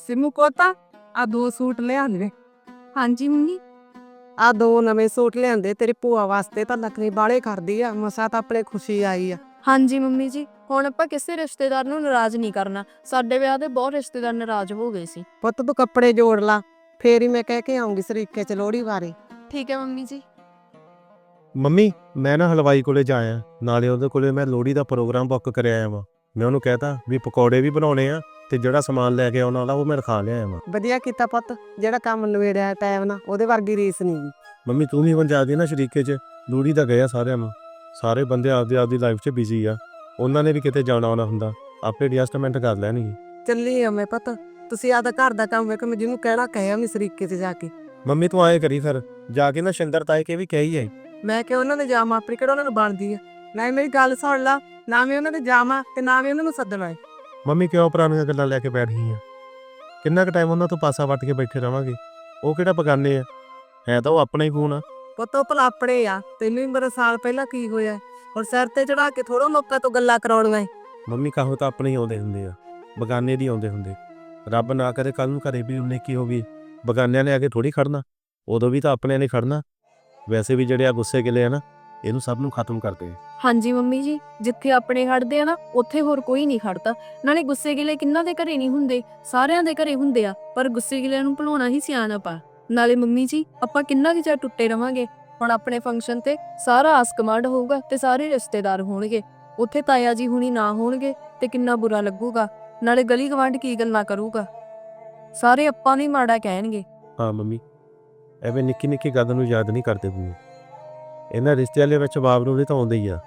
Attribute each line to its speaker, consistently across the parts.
Speaker 1: ਸਿਮੂ ਕੋਤਾ ਆ 2 ਸੂਟ ਲਿਆਂਦੇ।
Speaker 2: ਹਾਂਜੀ ਮੰਮੀ।
Speaker 1: ਆ 2 ਨਵੇਂ ਸੂਟ ਲਿਆਂਦੇ ਤੇਰੀ ਭੂਆ ਵਾਸਤੇ, ਤਾਂ ਨਖਰੇ ਬਾਲੇ ਕਰਦੀ ਆ। ਮਸਾ ਤਾਂ ਆਪਣੇ ਖੁਸ਼ੀ ਆਈ ਆ।
Speaker 2: ਹਾਂਜੀ ਮੰਮੀ ਜੀ, ਹੁਣ ਆਪਾਂ ਕਿਸੇ ਰਿਸ਼ਤੇਦਾਰ ਨੂੰ ਨਾਰਾਜ਼ ਨਹੀਂ ਕਰਨਾ। ਸਾਡੇ ਵਿਆਹ ਦੇ ਬਹੁਤ ਰਿਸ਼ਤੇਦਾਰ ਨਾਰਾਜ਼ ਹੋ ਗਏ ਸੀ।
Speaker 1: ਪੁੱਤ ਤੂੰ ਕੱਪੜੇ ਜੋੜ ਲਾ, ਫੇਰ ਹੀ ਮੈਂ ਕਹਿ ਕੇ ਆਉਂਗੀ ਸਰੀਕੇ ਚ ਲੋਹੜੀ ਬਾਰੇ।
Speaker 2: ਠੀਕ ਹੈ ਮੰਮੀ ਜੀ।
Speaker 3: ਮੰਮੀ ਮੈਂ ਨਾ ਹਲਵਾਈ ਕੋਲੇ ਜਾਇਆ, ਨਾਲੇ ਉਹਦੇ ਕੋਲੇ ਮੈਂ ਲੋਹੜੀ ਦਾ ਪ੍ਰੋਗਰਾਮ ਬੁੱਕ ਕਰਿਆ ਆਇਆ ਵਾਂ। ਮੈਂ ਉਹਨੂੰ ਕਹਿਤਾ ਵੀ ਪਕੌੜੇ ਵੀ ਬਣਾਉਣੇ ਆ ਤੇ ਜਿਹੜਾ ਸਮਾਨ ਲੈ ਕੇ ਆਉਣਾ ਵਾਲਾ ਉਹ ਮੈਂ ਰਖਾ ਲਿਆਇਆ ਵਾਂ।
Speaker 1: ਵਧੀਆ ਕੀਤਾ ਪੁੱਤ, ਜਿਹੜਾ ਕੰਮ ਨਵੇੜਿਆ ਟਾਈਮ ਨਾਲ, ਉਹਦੇ ਵਰਗੀ ਰੀਸ ਨਹੀਂ।
Speaker 3: ਮੰਮੀ ਤੂੰ ਵੀ ਹੁਣ ਜਾ ਦੀ ਨਾ ਸ਼ਰੀਕੇ 'ਚ, ਲੋਹੜੀ ਦਾ ਗਿਆ ਸਾਰਿਆਂ ਨੂੰ। ਸਾਰੇ ਬੰਦੇ ਆਪਦੀ ਲਾਈਫ 'ਚ ਬਿਜ਼ੀ ਆ, ਉਹਨਾਂ ਨੇ ਵੀ ਕਿਤੇ ਜਾਣਾ ਆਉਣਾ ਹੁੰਦਾ, ਆਪੇ ਐਡਜਸਟਮੈਂਟ ਕਰ ਲੈਣਗੇ।
Speaker 1: ਚੱਲੀ ਆ ਮੈਂ ਪੁੱਤ, ਤੁਸੀਂ ਆਪਦਾ ਘਰ ਦਾ ਕੰਮ ਵੇਖੋ। ਮੈਂ ਜਿਹਨੂੰ ਕਹਿਣਾ ਕਹਿਆ ਮੈਂ ਸਰੀਕੇ 'ਚ ਜਾ ਕੇ।
Speaker 3: ਮੰਮੀ ਤੂੰ ਆਏ ਕਰੀ ਫਿਰ, ਜਾ ਕੇ ਨਾ ਸ਼ਿੰਦਰ ਤਾਏ ਕੇ ਵੀ ਕਹੀ ਆਈ।
Speaker 1: ਮੈਂ ਕਿ ਉਹਨਾਂ ਦੇ ਜਾਵਾਂ, ਆਪਣੀ ਕਿਹੜਾ ਉਹਨਾਂ ਨੂੰ ਬਣਦੀ ਆ। ਨਾ ਮੇਰੀ ਗੱਲ ਸੁਣ ਲਾ, ਨਾ ਮੈਂ ਉਹਨਾਂ ਦੇ ਜਾਵਾਂ ਤੇ ਨਾ ਵੀ ਉਹਨਾਂ ਨੂੰ ਸੱਦਣਾ ਹੈ।
Speaker 3: ਮੰਮੀ ਕਿਉਂ ਪੁਰਾਣੀਆਂ ਗੱਲਾਂ ਲੈ ਕੇ ਬੈਠ ਗਈ ਆ? ਕਿੰਨਾ ਕੁ ਟਾਈਮ ਉਹਨਾਂ ਤੋਂ ਪਾਸਾ ਵੱਟ ਕੇ ਬੈਠੇ ਰਵਾਂਗੇ? ਉਹ ਕਿਹੜਾ ਬਗਾਨੇ ਆ, ਹੈ ਤਾਂ ਉਹ ਆਪਣਾ ਹੀ ਖੂਨ ਆ।
Speaker 1: ਪੁੱਤ ਉਹ ਭਲਾ ਆਪਣੇ ਆ, ਤੈਨੂੰ ਵੀ ਮੇਰਾ ਸਾਲ ਪਹਿਲਾਂ ਕੀ ਹੋਇਆ, ਹੁਣ ਸਿਰ ਤੇ ਚੜਾ ਕੇ ਥੋੜਾ ਲੋਕਾਂ ਤੋਂ ਗੱਲਾਂ ਕਰਾਉਣੀਆਂ ਏ।
Speaker 3: ਮੰਮੀ ਕਹੋ ਤਾਂ ਆਪਣੇ ਹੀ ਆਉਂਦੇ ਹੁੰਦੇ ਆ, ਬਗਾਨੇ ਦੀ ਆਉਂਦੇ ਹੁੰਦੇ। ਰੱਬ ਨਾ ਕਰੇ ਕੱਲ ਨੂੰ ਘਰੇ ਵੀ ਉਹਨੇ ਕੀ ਹੋਵੇ, ਬਗਾਨਿਆਂ ਨੇ ਆ ਕੇ ਥੋੜੀ ਖੜਨਾ, ਉਦੋਂ ਵੀ ਤਾਂ ਆਪਣਿਆਂ ਨੇ ਖੜਨਾ। ਵੈਸੇ ਵੀ ਜਿਹੜੇ ਆ ਗੁੱਸੇ ਗਿਲੇ ਆ ਨਾ, ਇਹਨੂੰ ਸਭ ਨੂੰ ਖਤਮ ਕਰਦੇ ਆ।
Speaker 2: ਹਾਂਜੀ ਮੰਮੀ ਜੀ, ਜਿੱਥੇ ਆਪਣੇ ਖੜਦੇ ਆ ਨਾ ਉੱਥੇ ਹੋਰ ਕੋਈ ਨਹੀਂ ਖੜਦਾ। ਨਾਲੇ ਗੁੱਸੇ ਗਿਲੇ ਕਿੰਨਾਂ ਦੇ ਘਰੇ ਨਹੀਂ ਹੁੰਦੇ, ਸਾਰਿਆਂ ਦੇ ਘਰੇ ਹੁੰਦੇ ਆ, ਪਰ ਗੁੱਸੇ ਗਿਲਿਆਂ ਨੂੰ ਭੁਲਾਉਣਾ ਹੀ ਸਿਆਣਪ ਆ। ਨਾਲੇ ਮੰਮੀ ਜੀ, ਆਪਾਂ ਕਿੰਨਾ ਕੁ ਚਿਰ ਟੁੱਟੇ ਰਵਾਂਗੇ। ਹੁਣ ਆਪਣੇ ਫੰਕਸ਼ਨ ਤੇ ਸਾਰਾ ਆਸ ਕਮਾਂਡ ਹੋਊਗਾ ਤੇ ਸਾਰੇ ਰਿਸ਼ਤੇਦਾਰ ਹੋਣਗੇ, ਉੱਥੇ ਤਾਇਆ ਜੀ ਹੁਣੀ ਨਾ ਹੋਣਗੇ ਤੇ ਕਿੰਨਾ ਬੁਰਾ ਲੱਗੂਗਾ। ਨਾਲੇ ਗਲੀ ਗਵਾਂਢ ਕੀ ਗੱਲਾਂ ਕਰੂਗਾ, ਸਾਰੇ ਆਪਾਂ ਨੂੰ ਹੀ ਮਾੜਾ ਕਹਿਣਗੇ।
Speaker 3: ਹਾਂ ਮੰਮੀ, ਐਵੇਂ ਨਿੱਕੀ ਨਿੱਕੀ ਗੱਲ ਨੂੰ ਯਾਦ ਨਹੀਂ ਕਰਦੇ ਪੂਰੇ। ਇਹਨਾਂ ਰਿਸ਼ਤਿਆਂ ਦੇ ਵਿੱਚ ਬਾਬ ਨੂੰ ਵੀ ਤਾਂ ਆਉਂਦੇ ਹੀ ਆ।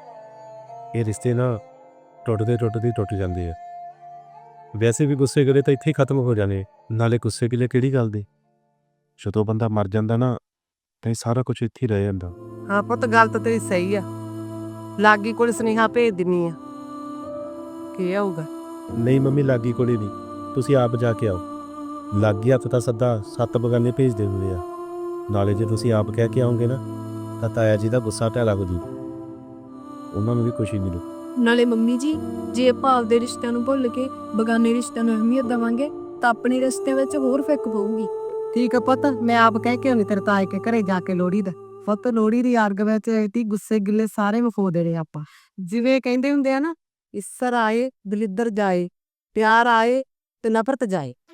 Speaker 3: ਇਹ ਰਿਸ਼ਤੇ ਨਾ ਟੁੱਟਦੇ ਟੁੱਟ ਜਾਂਦੇ ਆ। ਵੈਸੇ ਵੀ ਗੁੱਸੇ ਗਿਲੇ ਤਾਂ ਇੱਥੇ ਹੀ ਖਤਮ ਹੋ ਜਾਣੇ, ਨਾਲੇ ਗੁੱਸੇ ਗਿਲੇ ਕਿਹੜੀ ਗੱਲ ਦੇ। ਜਦੋਂ ਬੰਦਾ ਮਰ ਜਾਂਦਾ ਨਾ ਤਾਂ ਇਹ ਸਾਰਾ ਕੁਝ ਇੱਥੇ ਹੀ ਰਹਿ ਜਾਂਦਾ।
Speaker 1: ਹਾਂ ਪੁੱਤ, ਗੱਲ ਤਾਂ ਤੇਰੀ ਸਹੀ ਆ। ਲਾਗੀ ਕੋਲ ਸੁਨੇਹਾ ਭੇਜ ਦਿੰਨੀ ਆ, ਕੀ ਆਊਗਾ।
Speaker 3: ਨਹੀਂ ਮੰਮੀ, ਲਾਗੀ ਕੋਲੇ ਨਹੀਂ, ਤੁਸੀਂ ਆਪ ਜਾ ਕੇ ਆਓ। ਲਾਗੀ ਹੱਥ ਤਾਂ ਸੱਦਾ 7 ਬਗਾਨੇ ਭੇਜਦੇ ਹੁੰਦੇ ਆ। ਨਾਲੇ ਜੇ ਤੁਸੀਂ ਆਪ ਕਹਿ ਕੇ ਆਓਗੇ ਨਾ ਤਾਂ ਤਾਇਆ ਜੀ ਦਾ ਗੁੱਸਾ ਢਹਿ ਲੱਗ ਜੂ, ਉਹਨਾਂ ਨੂੰ ਵੀ ਖੁਸ਼ੀ ਮਿਲੂ।
Speaker 2: ਨਾਲੇ ਮੰਮੀ ਜੀ, ਜੇ ਆਪਾਂ ਆਪਦੇ ਰਿਸ਼ਤਿਆਂ ਨੂੰ ਭੁੱਲ ਕੇ ਬਗਾਨੇ ਰਿਸ਼ਤਿਆਂ ਨੂੰ ਅਹਿਮੀਅਤ ਦੇਵਾਂਗੇ ਤਾਂ ਆਪਣੇ ਰਿਸ਼ਤਿਆਂ ਵਿੱਚ ਹੋਰ ਫਿੱਕ ਪਊਗੀ।
Speaker 1: ਠੀਕ ਆ ਪੁੱਤ, ਮੈਂ ਆਪ ਕਹਿ ਕੇ ਆਉਣੀ ਤੇਰੇ ਤਾਏ ਕੇ ਘਰੇ ਜਾ ਕੇ ਲੋਹੜੀ ਦਾ। ਪੁੱਤ ਲੋਹੜੀ ਦੀ ਆਰਗ ਵਿੱਚ ਇਤੀ ਗੁੱਸੇ ਗਿੱਲੇ ਸਾਰੇ ਮੁਕੋ ਦੇਣੇ ਆਪਾਂ। ਜਿਵੇਂ ਕਹਿੰਦੇ ਹੁੰਦੇ ਆ ਨਾ, ਈਸਰ ਆਏ ਦਲਿੱਦਰ ਜਾਏ, ਪਿਆਰ ਆਏ ਤੇ ਨਫ਼ਰਤ ਜਾਏ।